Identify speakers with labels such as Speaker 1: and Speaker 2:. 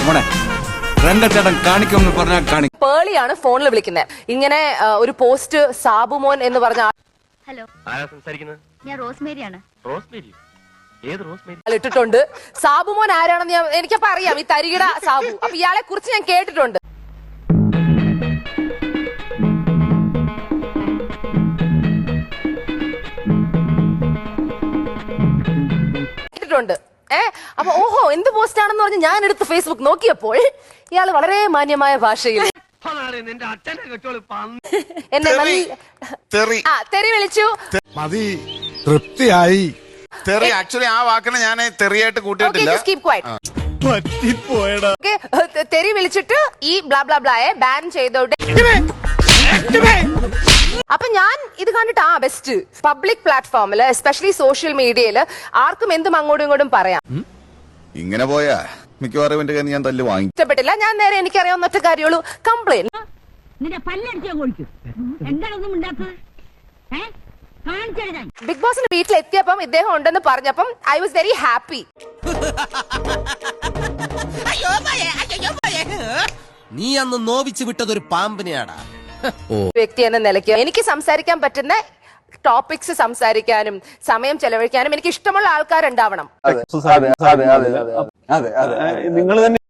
Speaker 1: രംഗച്ചേട്ടൻ കാണിക്കുമെന്ന് പറഞ്ഞാൽ കാണിക്കും.
Speaker 2: പേളിയാണ് ഫോണിൽ വിളിക്കുന്നത്. ഇങ്ങനെ ഒരു പോസ്റ്റ് സാബുമോൻ എന്ന് പറഞ്ഞ
Speaker 3: ഹലോ,
Speaker 4: ആരാ സംസാരിക്കുന്നത്?
Speaker 3: ഞാൻ റോസ്മേരിയാണ്.
Speaker 4: റോസ്മേരി? ഏത് റോസ്മേരി?
Speaker 2: ഇട്ടിട്ടുണ്ട്. സാബുമോൻ ആരാണെന്ന് എനിക്കപ്പോ അറിയാം, ഈ തരികിട സാബു. അപ്പൊ ഇയാളെ കുറിച്ച് ഞാൻ കേട്ടിട്ടുണ്ട്. അപ്പൊ ഓഹോ എന്ത് പോസ്റ്റ് ആണെന്ന് പറഞ്ഞ് ഞാൻ എടുത്ത് ഫേസ്ബുക്ക് നോക്കിയപ്പോൾ ഇയാള് വളരെ മാന്യമായ ഭാഷയിൽ എന്നെ തെറി വിളിച്ചു.
Speaker 5: തൃപ്തിയായി.
Speaker 6: തെറി ആക്ച്വലി ആ വാക്കിനെ ഞാൻ തെറിയായിട്ട് കൂട്ടിയിട്ടില്ല.
Speaker 2: തെറി വിളിച്ചിട്ട് ഈ ബ്ലാ ബ്ലാ ബ്ലായെ ബാൻ ചെയ്തോട്ടെ. അപ്പൊ ഞാൻ ഇത് കണ്ടിട്ട് ബെസ്റ്റ് പബ്ലിക് പ്ലാറ്റ്ഫോമില് എസ്പെഷ്യലി സോഷ്യൽ മീഡിയയില് ആർക്കും എന്തും അങ്ങോട്ടും ഇങ്ങോട്ടും പറയാം.
Speaker 6: ഇങ്ങനെ പോയാ മിക്കവാറും എന്റെ കയ്യിൽ ഞാൻ തല്ല് വാങ്ങി.
Speaker 2: ഇഷ്ടപ്പെട്ടില്ല. ഞാൻ നേരെ എനിക്കറിയാവുന്ന ഒറ്റ കാര്യമുള്ളൂ, കംപ്ലൈന്റ്. ബിഗ് ബോസിന്റെ വീട്ടിലെത്തിയപ്പം ഇദ്ദേഹം ഉണ്ടെന്ന് പറഞ്ഞപ്പം ഐ വാസ് വെരി ഹാപ്പി.
Speaker 7: നീ അന്ന് നോവിച്ചു വിട്ടതൊരു പാമ്പിനെയാടാ.
Speaker 2: വ്യക്തി എന്ന നിലയ്ക്ക് എനിക്ക് സംസാരിക്കാൻ പറ്റുന്ന ടോപ്പിക്സ് സംസാരിക്കാനും സമയം ചെലവഴിക്കാനും എനിക്ക് ഇഷ്ടമുള്ള ആൾക്കാരുണ്ടാവണം.
Speaker 5: നിങ്ങൾ തന്നെ